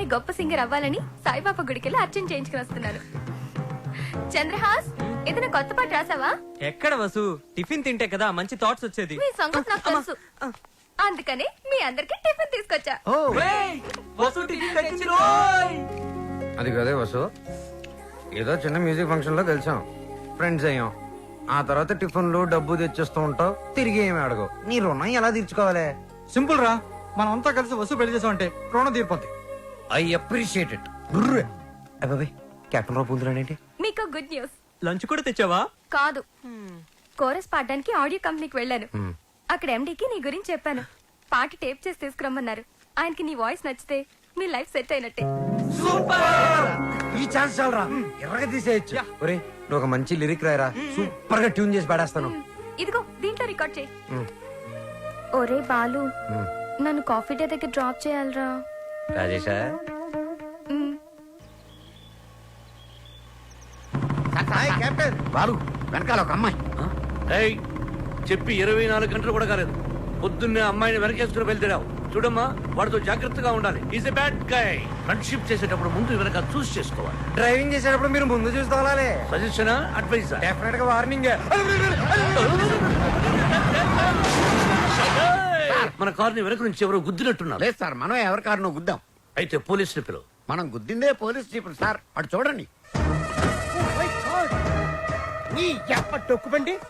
గొప్ప సింగర్ అవ్వాలని సాయిబాబా గుడికెళ్ళి అర్చన చేయించుకుని వస్తున్నాను. చంద్రహాస్, ఏదైనా కొత్త పాట రాసావా? ఎక్కడ వసు, టిఫిన్ తింటే కదా మంచి థాట్స్ వచ్చేది. మీ సంగతి నాకు తెలుసు, అందుకనే మీ అందరికి టిఫిన్ తీసుకొచ్చా. అది కదే వసు, ఏదో చిన్న మ్యూజిక్ ఫంక్షన్ లో కలిసాం, ఫ్రెండ్స్ అయ్యాం. ఆ తర్వాత టిఫిన్లు డబ్బు తెచ్చేస్తూ ఉంటావు, తిరిగి ఏమి అడగవు. నీ రుణం ఎలా తీర్చుకోవాలి? సింపుల్ రా, మనం అంతా కలిసి వసూలు పెళ్లి చేసామంటే రుణం తీరిపోద్ది. I appreciate it. అబ్బాయి కెప్టెన్ రావు పూలుతున్నాడేంటి? మీకు గుడ్ న్యూస్. లంచ్ కూడా తెచ్చావా? కాదు, కోరస్ పాడడానికి ఆడియో కంపెనీకి వెళ్ళాను. అక్కడ ఎండీకి నీ గురించి చెప్పాను. పాట టేప్ చేసి తీసుకురమ్మన్నారు. ఆయనకి నీ వాయిస్ నచ్చితే మీ లైఫ్ సెట్ అయినట్టే. ఈ ఛాన్స్ చాలరా, ఎర్రగా తీసేయచ్చు. ఒరే నువ్వు ఒక మంచి లిరిక్ రాయరా, సూపర్ గా ట్యూన్ చేసి పాడేస్తాను. ఇదిగో దీంట్లో రికార్డ్ చేయి. ఒరే బాలు, నన్ను కాఫీ డే దగ్గర డ్రాప్ చేయాలరా. రాజేశా కెప్టెన్ బాలు వెనకాల ఒక అమ్మాయి. చెప్పి 24 గంటలు కూడా కాలేదు, పొద్దున్నే అమ్మాయిని వెనకేసుకుని వెళ్తున్నావు. చూడమ్మా, వాడితో జాగ్రత్తగా ఉండాలి. Is a bad guy. Friendship చేసేటప్పుడు ముందు వెనక చూస్ చేసుకోవాలి. డ్రైవింగ్ చేసేటప్పుడు మీరు ముందు చూసుకోవాలి. Suggestion, advice? డెఫినెట్ గా వార్నింగ్. మన కార్ని వెనక నుంచి ఎవరో గుద్దినట్టున్నారు. లేదు సార్, మనం ఎవరి కారునో గుద్దాం. అయితే పోలీసులు పిలువు. మనం గుద్దిందే పోలీస్ జీప్ సార్, అటు చూడండి. టొక్కుబండి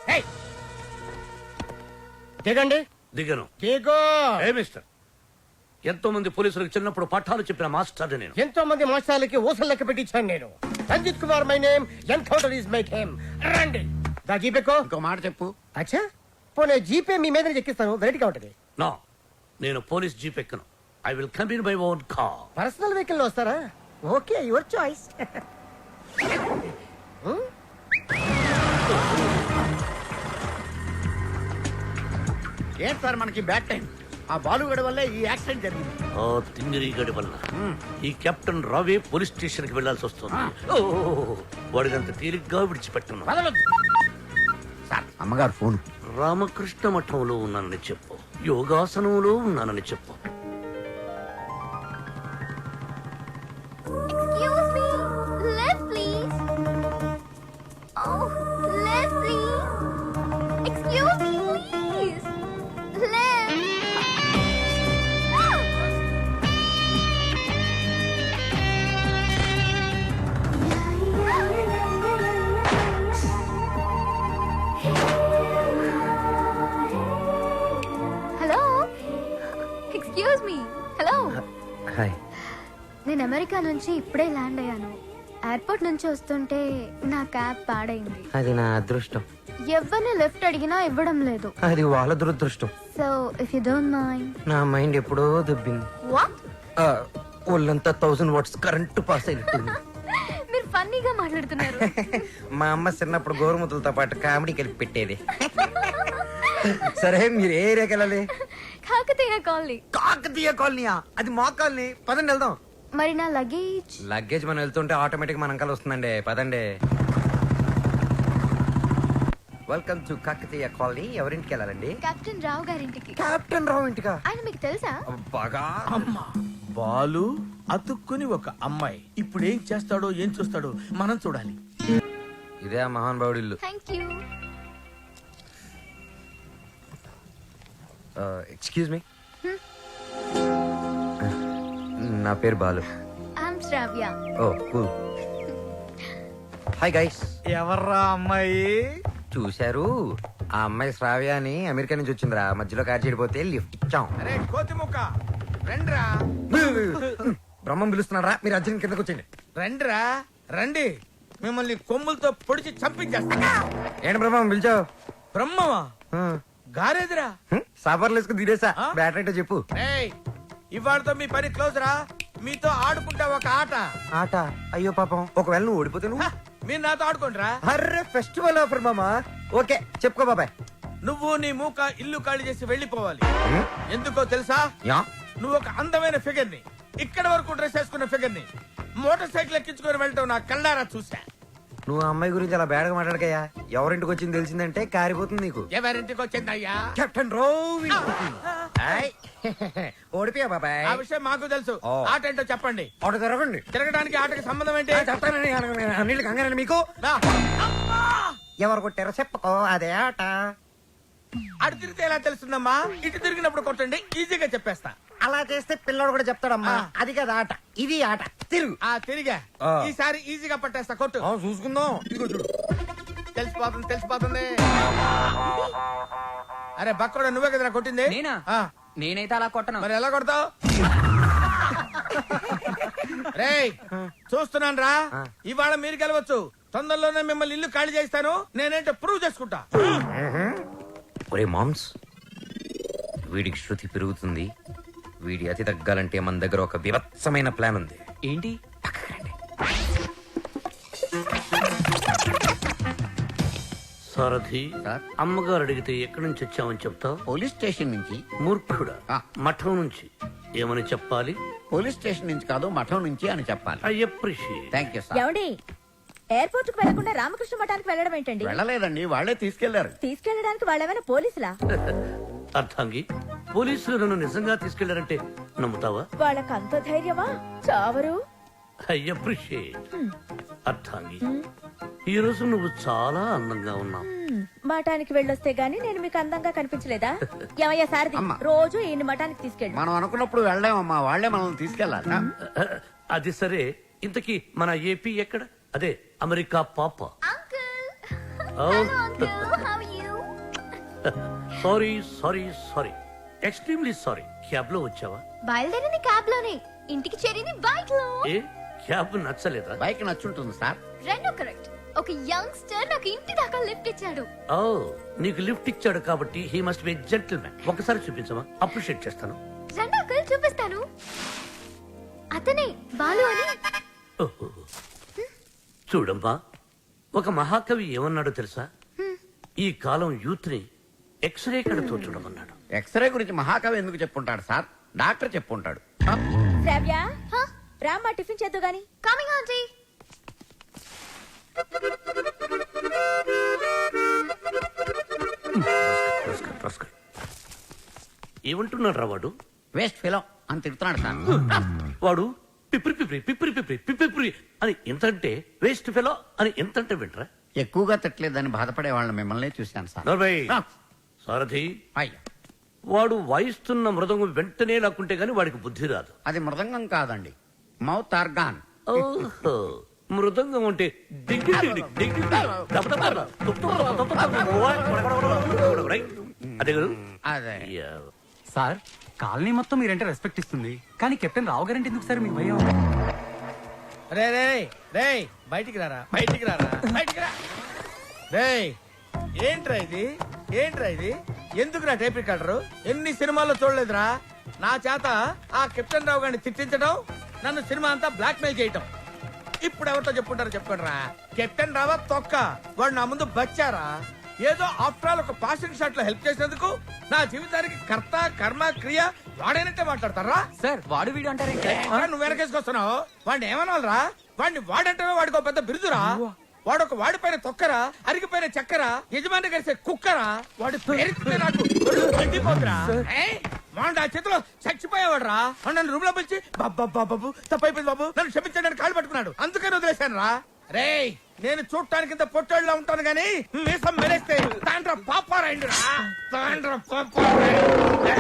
దిగండి. దిగను. దిగో. ఏ మిస్టర్, ఎంతో మంది పోలీసులకు చిన్నప్పుడు పాఠాలు చెప్పిన మాస్టర్ నేను. ఎంతో మంది మాస్టర్లకి ఊసలు లెక్క పెట్టించాను నేను. Ranjith Kumar my name, encounter is my name. రండి. దా జీపేకో. ఇంకో మాట చెప్పు. అచ్చా, పోనీ జీపే మీ మీద ఎక్కిస్తాను, వెరైటీగా ఉంటది. నో, నేను పోలీస్ జీప్ ఎక్కను. I will come in my own car. Personal vehicle లో వస్తారా? Okay, your choice. ఏంటి సార్ మనకి బ్యాడ్ టైం? ఆ బాలుగడ వల్లే ఈ యాక్సిడెంట్ జరిగింది. ఓ తింగిరి గడి వల్ల ఈ కెప్టెన్ రావే పోలీస్ స్టేషన్ కి వెళ్లాల్సి వస్తుంది. వాడినంత తేలిగ్గా విడిచిపెట్టను. సార్ అమ్మగారు ఫోన్. రామకృష్ణ మఠంలో ఉన్నానని చెప్పు, యోగాసనంలో ఉన్నానని చెప్పు. Excuse me, left please. Oh, left please. Excuse me, please. Left. Hello. Excuse me. Hello. Hi. నేను అమెరికా నుంచి ఇప్పుడే ల్యాండ్ అయ్యాను. ఎయిర్పోర్ట్ నుంచి వస్తుంటే నా క్యాబ్ పాడైంది. అది నా అదృష్టం. ఎవరిని లిఫ్ట్ అడిగినా ఇవ్వడం లేదు. అది వాళ్ళ దురదృష్టం. So if you don't mind. నా మైండ్ ఎప్పుడో దొబ్బింది. వాట్? ఒళ్ళంతా 1000 వాట్స్ కరెంట్ పాస్ అయినట్టుంది. మీరు ఫన్నీగా మాట్లాడుతున్నారు. మా అమ్మ చిన్నప్పుడు గోరుముద్దలతో పాటు కామెడీ కలిపి పెట్టేది. సరే మీరు ఏ ఏరియాకి వెళ్ళాలి? కాకతీయ కాలనీ. కాకతీయ కాలనీయా? అది మా కాలనీ. పదండి వెళ్దాం. మరి నా లగేజ్? లగేజ్ మనం వెళ్తుంటే ఆటోమేటిక్ మన అంకల్ వస్తుందండి. పదండి. Welcome to Kakatiya colony. ఎవరింటికి వెళ్ళాలండి? కెప్టెన్ రావు గారింటికి. కెప్టెన్ రావు ఇంటికా? ఆయన మీకు తెలుసా? బాగా. అమ్మా బాలు అతుక్కుని ఒక అమ్మాయి ఇప్పుడు ఏం చేస్తాడో ఏం చూస్తాడో మనం చూడాలి. ఇదే ఆ మహాన్ బావుడి ఇల్లు. Thank you. ఎక్స్క్యూజ్ మీ, నా పేరు Balu. I'm Shravya. Oh cool. Hi guys. ఎవర్రా అమ్మాయి? చూశారు, ఆ అమ్మాయి శ్రావ్య అని అమెరికా నుంచి వచ్చిందిరా. మధ్యలో కార్ చెడిపోతే లిఫ్ట్ ఇచ్చాం. అరే కోతి ముక్క రండిరా. బ్రహ్మం పిలుస్తున్నారా? మీరు అర్జున్ కిందకు వచ్చండి. రండిరా రండి, మిమ్మల్ని కొమ్ములతో పొడిచి చంపించేస్తా. ఏంటి బ్రహ్మం పిలిచావు? బ్రహ్మమా? గారేదిరా. సాఫర్లు వేసుకుని తీరేసా. బ్యాటరీ అంటే చెప్పు. ఏయ్, ఇవాళతో మీ పని క్లోజ్ రా. మీతో ఆడుకుంటా ఒక ఆట. ఆట? అయ్యో పాపం, ఒకవేళ నువ్వు ఓడిపోతే నువ్వు? మీరు నాతో ఆడుకోండిరా. అర్రే ఫెస్టివల్ ఆఫర్ మామా. ఓకే చెప్పుకో బాబాయ్. నువ్వు నీ మూక ఇల్లు ఖాళీ చేసి వెళ్ళిపోవాలి. ఎందుకో తెలుసా? యా. నువ్వు ఒక అందమైన ఫిగర్ ని, ఇక్కడ వరకు డ్రెస్ వేసుకున్న ఫిగర్ ని మోటార్ సైకిల్ ఎక్కించుకొని వెళ్ళటం నా కళ్ళారా చూసా. నువ్వు ఆ అమ్మాయి గురించి అలా బేడగా మాట్లాడకయ్యా. ఎవరింటికి వచ్చింది తెలిసిందంటే కారిపోతుంది నీకు. ఎవరింటికి వచ్చిందయ్యా? కెప్టెన్ రోవ్ ఇంటికి. ఓడిపోయా బాబాయ్. ఆ విషయం మాకు తెలుసు. ఓ. ఆట ఏంటో చెప్పండి. ఆట తిరగండి. తిరగడానికి ఆటకి సంబంధం ఏంటి? చెప్తానండి అన్నిళ్ళు కంగారండి మీకు. రా. అమ్మా! ఎవరు కొట్టారో చెప్పుకో, అదే ఆట. అటు తిరిగితే ఎలా తెలుస్తుందమ్మా? ఇటు తిరిగినప్పుడు కొట్టండి, ఈజీగా చెప్పేస్తా. అలా చేస్తే పిల్లడు కూడా చెప్తాడమ్మా. ఆ. అది కదా ఆట, ఇది ఆట. తిరుగు. ఆ తిరిగా ఆ. ఈసారి ఈజీగా పట్టేస్తా. కొట్టు. చూసుకుందాం. ఇదిగో చూడు. తెలిసిపోతుంది. అరే బక్కడు, నువ్వే కదరా కొట్టింది? నేనా? ఆ. నేనైతే అలా కొట్టను. మరి ఎలా కొడతావు? రేయ్ చూస్తున్నాను రా. ఇవాళ మీరు గెలవచ్చు. తొందరలోనే మిమ్మల్ని ఇల్లు ఖాళీ చేస్తాను. నేనేంటో ప్రూవ్ చేసుకుంటా. ఒరే మామ్స్, వీడికి శృతి పెరుగుతుంది. వీడి అతి తగ్గాలంటే మన దగ్గర ఒక వివత్సమైన ప్లాన్ ఉంది. ఏంటి? సారథి, సార్? అమ్మగారు అడిగితే ఎక్కడి నుంచి వచ్చామని చెప్తావు? పోలీస్ స్టేషన్ నుంచి. మూర్ఖుడా, ఆ. మఠం నుంచి ఏమని చెప్పాలి? పోలీస్ స్టేషన్ నుంచి కాదు, మఠం నుంచి అని చెప్పాలి. I appreciate. Thank you sir. ఏమండి ఎయిర్పోర్ట్ కు వెళ్లకుండా రామకృష్ణ మఠానికి వెళ్ళడం ఏంటండి? వెళ్ళలేదండి, వాళ్ళే తీసుకెళ్లారు. తీసుకెళ్ళడానికి వాళ్ళేమైనా పోలీసులా? అర్థంగి, పోలీసులు నన్ను నిజంగా తీసుకెళ్లారంటే నమ్ముతావా? వాళ్ళకి అంత ధైర్యమా? చావరు. I appreciate. అర్థంగి, ఈ రోజు నువ్వు చాలా అందంగా ఉన్నావు. మఠానికి వెళ్ళొస్తే గానీ నేను మీకు అందంగా కనిపించలేదా? ఏమయ్యా సారథి, అమ్మా. రోజు ఈయన మఠానికి తీసుకెళ్ళు. మనం అనుకున్నప్పుడు వెళ్ళామమ్మా, వాళ్ళే మనల్ని తీసుకెళ్లాలి. అది సరే, ఇంతకీ మన ఏపీ ఎక్కడ? అదే అమెరికా పాప. Sorry sorry sorry, extremely sorry. Cab లో వచ్చావా? బయలుదేరింది క్యాబ్ లోనే, ఇంటికి చేరింది బైక్ లో. ఏ క్యాబ్ నచ్చలేదా? బైక్ నచ్చుంటుంది సార్. రెండు కరెక్ట్. ఒక యంగ్స్టర్ నాకు ఇంటి దాకా లిఫ్ట్ ఇచ్చాడు. ఓ, నీకు లిఫ్ట్ ఇచ్చాడు కాబట్టి హీ మస్ట్ బి జెంటిల్మెన్. ఒకసారి చూపించమా, అప్రిషియేట్ చేస్తాను. రెండు అంకుల్ చూపిస్తాను. అతనే బాలు అని. ఓహో. చూడమ్మా, ఒక మహాకవి ఏమన్నాడో తెలుసా? ఈ కాలం యూత్ ని ఎక్స్రే కడతో చూడమన్నాడు. ఎక్స్రే గురించి మహాకవి ఎందుకు చెప్పుంటాడు సార్? డాక్టర్ చెప్పుంటాడు. శ్రావ్య, రామ్మా టిఫిన్ చేద్దు గాని. Coming aunty. ఏమంటున్నాడు రా వాడు? వేస్ట్ ఫిలం అని తిడుతున్నాడు సార్. వాడు పిప్రి పిప్రి పిప్రి పిప్రి పిప్రి అని ఎంతంటే, వేస్ట్ ఫెలో అని ఎంతంటే వింటరా? ఎక్కువగా తిట్టలేదని బాధపడే వాళ్ళని మిమ్మల్ని చూశాను సార్. నర్వయ్, ఆ. సారథి, అయ్యా, వాడు వాయిస్తున్న మృదంగం వెంటనే లాక్కుంటే గాని వాడికి బుద్ధి రాదు. అది మృదంగం కాదండి, మౌత్ ఆర్గాన్. ఓహో, మృదంగం అంటే డింగ్ డింగ్ డింగ్ డింగ్ డింగ్ దబ దబ దబ తుప్ తుప్ తుప్ తుప్ తుప్ తుప్. రైట్? అదే కదా? అదే. యా. సార్, కాలనీ మొత్తం మీరంటే రెస్పెక్ట్ ఇస్తుంది, కానీ కెప్టెన్ రావు గారంటే ఎందుకు సార్ మీకు భయం? రే రే రే బయటికి రారా, బయటికి రారా, బయటికి రా. రే ఏంట్రా ఇది? ఏంట్రా ఇది? ఎందుకురా టేప్ రికార్డరు? ఎన్ని సినిమాల్లో చూడలేదురా? నా చేత ఆ కెప్టెన్ రావు గారిని తిట్టించడం, నన్ను సినిమా అంతా బ్లాక్ మెయిల్ చేయటం. ఇప్పుడు ఎవరితో చెప్పుకుంటారో చెప్పుకోండి రా. కెప్టెన్ రావా తొక్క, వాడు నా ముందు బచ్చారా? ఏదో ఆఫ్టర్ ఆల్ ఒక పాసింగ్ షాట్ లో హెల్ప్ చేసినందుకు నా జీవితానికి కర్త కర్మ క్రియ వాడైనట్టే మాట్లాడతారా? సార్, వాడు వీడు అంటారేంటి? నువ్వు వెనకేసుకొస్తున్నావు. వాడిని ఏమనాలరా? వాడిని వాడంటే వాడికి ఒక పెద్ద బిరుదురా. వాడొక వాడిపైన తొక్కరా, అరిగిపోయిన చక్కరా, యజమాని కలిసే కుక్కరా. వాడి పేరుతో నాకు ఒళ్ళు మండిపోతురా. వాడు ఆ చేతిలో చచ్చిపోయేవాడు రా. నన్ను రూమ్ లో పిలిచి బాబు తప్పైపోయింది బాబు, నన్ను క్షమించడానికి కాళ్ళు పట్టుకున్నాడు. అందుకని వదిలేశాను రా. రేయ్, నేను చూడటానికి ఇంత పొట్టేళ్ళ ఉంటాను గానీ మీసం మెరేస్తే తాండ్ర పాపారాయండి రా. తాండ్ర పాపారాయండి.